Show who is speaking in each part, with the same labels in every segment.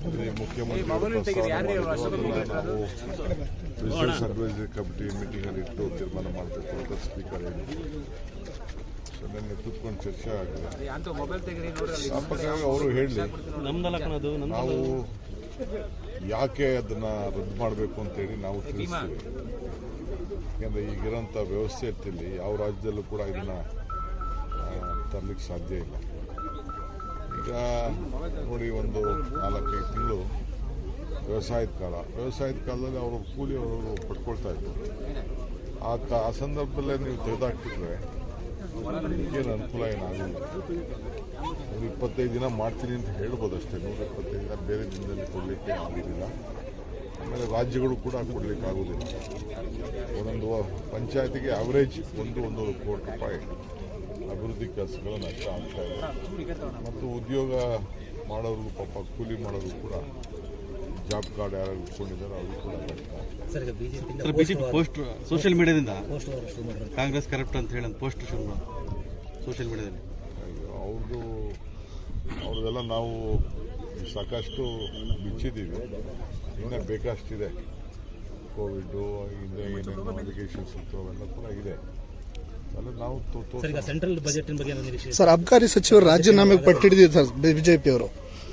Speaker 1: ಮುಖ್ಯಮಂತ್ರಿ ನಾವು business advisory committee meeting ಅಲ್ಲಿ ಇಟ್ಟು ತೀರ್ಮಾನ ಮಾಡಬೇಕು ಅಂತ ಸ್ಪೀಕರ್ ಹೇಳಿದ್ರು. ಸೊ ನಿನ್ನೆ ಕೂತ್ಕೊಂಡು ಚರ್ಚೆ ಆಗಿದೆ. ಅವರು ಹೇಳಿ ನಾವು ಯಾಕೆ ಅದನ್ನ ರದ್ದು ಮಾಡಬೇಕು ಅಂತೇಳಿ ನಾವು ತಿಳಿಸ್ತೀವಿ. ಯಾಕೆಂದ್ರೆ ಈಗಿರೋಂಥ ವ್ಯವಸ್ಥೆಯಲ್ಲಿ ಯಾವ ರಾಜ್ಯದಲ್ಲೂ ಕೂಡ ಇದನ್ನ ತರಲಿಕ್ಕೆ ಸಾಧ್ಯ ಇಲ್ಲ. ಈಗ ನೋಡಿ, ಒಂದು 4-5 ತಿಂಗಳು ವ್ಯವಸಾಯದ ಕಾಲದಲ್ಲಿ ಅವರು ಕೂಲಿ ಅವರು ಪಡ್ಕೊಳ್ತಾ ಇದ್ರು. ಆ ಸಂದರ್ಭದಲ್ಲೇ ನೀವು ತೆಗೆದಾಕ್ತಿದ್ರೆ ಈಗೇನು ಅನುಕೂಲ ಏನಾಗಲಿಲ್ಲ. 125 ದಿನ ಮಾಡ್ತೀನಿ ಅಂತ ಹೇಳ್ಬೋದು ಅಷ್ಟೇ. 125 ದಿನ ಬೇರೆ ದಿನದಲ್ಲಿ ಕೊಡಲಿಕ್ಕೆ ಆಗೋದಿಲ್ಲ. ಆಮೇಲೆ ರಾಜ್ಯಗಳು ಕೂಡ ಕೊಡಲಿಕ್ಕೆ ಆಗೋದಿಲ್ಲ. ಒಂದೊಂದು ಪಂಚಾಯತಿಗೆ ಅವರೇಜ್ 1-1.5 ಕೋಟಿ ರೂಪಾಯಿ ಅಭಿವೃದ್ಧಿ ಕೆಲಸಗಳು ನಷ್ಟ ಆಗ್ತಾ ಇದೆ. ಮತ್ತು ಉದ್ಯೋಗ ಮಾಡೋರು, ಪಾಪ ಕೂಲಿ ಮಾಡೋರು ಕೂಡ ಜಾಬ್ ಕಾರ್ಡ್ ಯಾರು ಇಟ್ಕೊಂಡಿದ್ದಾರೆ ಅವರು ಕೂಡ
Speaker 2: ನಷ್ಟ. ಬಿಜೆಪಿ ಪೋಸ್ಟ್ ಸೋಷಿಯಲ್ ಮೀಡಿಯಾದಿಂದ ಕಾಂಗ್ರೆಸ್ ಕರಪ್ಟ್ ಅಂತ ಹೇಳಿ ಪೋಸ್ಟ್ ಶುರು ಮಾಡಿ ಸೋಷಿಯಲ್ ಮೀಡಿಯಾದಲ್ಲಿ ಅವ್ರದ್ದೆಲ್ಲ ನಾವು ಸಾಕಷ್ಟು ಬಿಚ್ಚಿದ್ದೀವಿ. ಇನ್ನೂ ಬೇಕಷ್ಟಿದೆ. ಕೋವಿಡ್ ಹಿಂದೆ ಏನೇನು ಅಪ್ಲಿಕೇಶನ್ಸ್ ಇತ್ತು ಅವೆಲ್ಲ ಕೂಡ ಇದೆ.
Speaker 3: ಸೆಂಟ್ರಲ್ ಬಜೆಟ್ ಬಗ್ಗೆ
Speaker 4: ಸರ್, ಅಬಕಾರಿ ಸಚಿವರು ರಾಜೀನಾಮೆಗೆ ಪಟ್ಟಿಡಿದ್ರು ಸರ್ ಬಿಜೆಪಿ ಅವರು.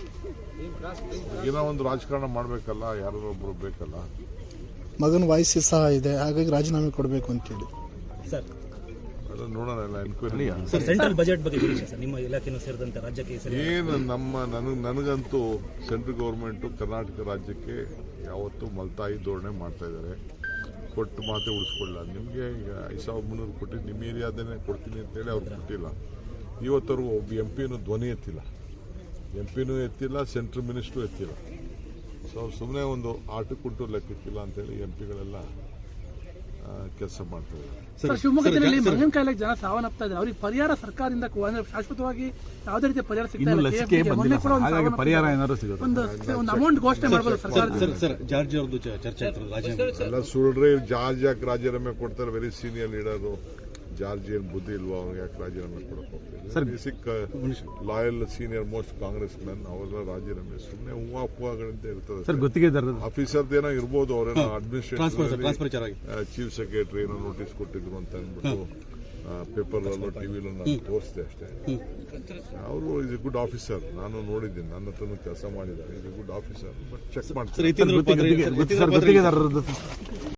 Speaker 1: ಏನೋ ಒಂದು ರಾಜಕಾರಣ ಮಾಡಬೇಕಲ್ಲ, ಯಾರೋ ಒಬ್ರು ಬೇಕಲ್ಲ.
Speaker 4: ಮಗನ ವಯಸ್ಸು ಸಹ ಇದೆ, ಹಾಗಾಗಿ ರಾಜೀನಾಮೆ ಕೊಡಬೇಕು ಅಂತೇಳಿ
Speaker 3: ಸರ್
Speaker 1: ಅದು ನೋಡೋಣ, ಎಲ್ಲ ಎನ್ಕ್ವೈರಿ.
Speaker 3: ಸೆಂಟ್ರಲ್ ಬಜೆಟ್ ಬಗ್ಗೆ ಸರ್ ನಿಮ್ಮ ಇಲಾಖೆನೂ ಸೇರಿದಂತೆ ರಾಜ್ಯಕ್ಕೆ
Speaker 1: ಏನು ನನಗಂತೂ ಸೆಂಟ್ರಲ್ ಗೌರ್ಮೆಂಟು ಕರ್ನಾಟಕ ರಾಜ್ಯಕ್ಕೆ ಯಾವತ್ತೂ ಮಲ್ತಾಯಿ ಧೋರಣೆ ಮಾಡ್ತಾ ಇದ್ದಾರೆ. ಕೊಟ್ಟು ಮಾತೆ ಉಳಿಸ್ಕೊಳ್ಳಲ್ಲ. ನಿಮಗೆ ಈಗ 5300 ಕೊಟ್ಟಿದ್ದು ನಿಮ್ಮ ಏರಿಯಾದನ್ನೇ ಕೊಡ್ತೀನಿ ಅಂತೇಳಿ ಅವ್ರು ಕೊಟ್ಟಿಲ್ಲ. ಇವತ್ತವರೆಗೂ ಒಬ್ಬ ಎಂಪಿನೂ ಧ್ವನಿ ಎತ್ತಿಲ್ಲ, ಸೆಂಟ್ರಲ್ ಮಿನಿಸ್ಟ್ರು ಎತ್ತಿಲ್ಲ. ಸೊ ಅವ್ರು ಸುಮ್ಮನೆ ಒಂದು ಆಟಕ್ಕುಂಟು ಲೆಕ್ಕಕ್ಕಿಲ್ಲ ಅಂತೇಳಿ ಎಂಪಿಗಳೆಲ್ಲ ಕೆಲಸ ಮಾಡ್ತಾರೆ.
Speaker 5: ಶಿವಮೊಗ್ಗದಲ್ಲಿ ಮಂಗನ ಕಾಯಿಲೆಗೆ ಜನ ಸಾವನ್ನಪ್ತಾ ಇದ್ದಾರೆ. ಅವ್ರಿಗೆ ಪರಿಹಾರ ಸರ್ಕಾರದಿಂದ ಶಾಶ್ವತವಾಗಿ ಯಾವುದೇ ರೀತಿಯ ಪರಿಹಾರ ಸಿಗ್ತಾ ಇಲ್ಲ.
Speaker 2: ಪರಿಹಾರ ಏನಾದ್ರು ಸಿಗುತ್ತೆ,
Speaker 5: ಒಂದು ಅಮೌಂಟ್ ಘೋಷಣೆ ಮಾಡಬಹುದು ಸರ್ಕಾರ.
Speaker 2: ಸರ್ ಜಾರ್ಜ್ ಅವ್ರದ್ದು ಚರ್ಚೆ
Speaker 1: ಎಲ್ಲ ಸುಳ್ಳ್ರಿ. ಜಾರ್ಜ್ ಯಾಕೆ ರಾಜೀನಾಮೆ ಕೊಡ್ತಾರೆ? Very senior leader. ಜಾರ್ಜ್ ಏನು ಬುದ್ಧಿ ಇಲ್ವಾ ಅವ್ರಿಗೆ? ಯಾಕೆ ರಾಜೀನಾಮೆ ಕೊಡಕ್ಕೆ ಹೋಗ್ತಾರೆ? Basic loyal senior most Congress men ಅವರೆಲ್ಲ ರಾಜೀನಾಮೆ ಸುಮ್ಮನೆ ಹೂವಾಗಳಿಂದ ಇರ್ತದೆ. ಆಫೀಸರ್ದೇನೋ ಇರ್ಬೋದು, ಅವರೇನೋ ಅಡ್ಮಿನಿಸ್ಟ್ರೇಷನ್ ಚೀಫ್ ಸೆಕ್ರೆಟರಿ ಏನೋ ನೋಟಿಸ್ ಕೊಟ್ಟಿದ್ರು ಅಂತ ಅಂದ್ಬಿಟ್ಟು ಪೇಪರ್ಲಲ್ಲೋ ಟಿವಿಲೋ ನಾನು ತೋರಿಸಿದೆ ಅಷ್ಟೇ. ಅವರು ಇಸ್ ಎ ಗುಡ್ ಆಫೀಸರ್. ನಾನು ನೋಡಿದ್ದೀನಿ, ನನ್ನ ಹತ್ರನೂ ಕೆಲಸ ಮಾಡಿದ್ದಾರೆ. Is a good officer. But check ಮಾಡ್ತಾರೆ.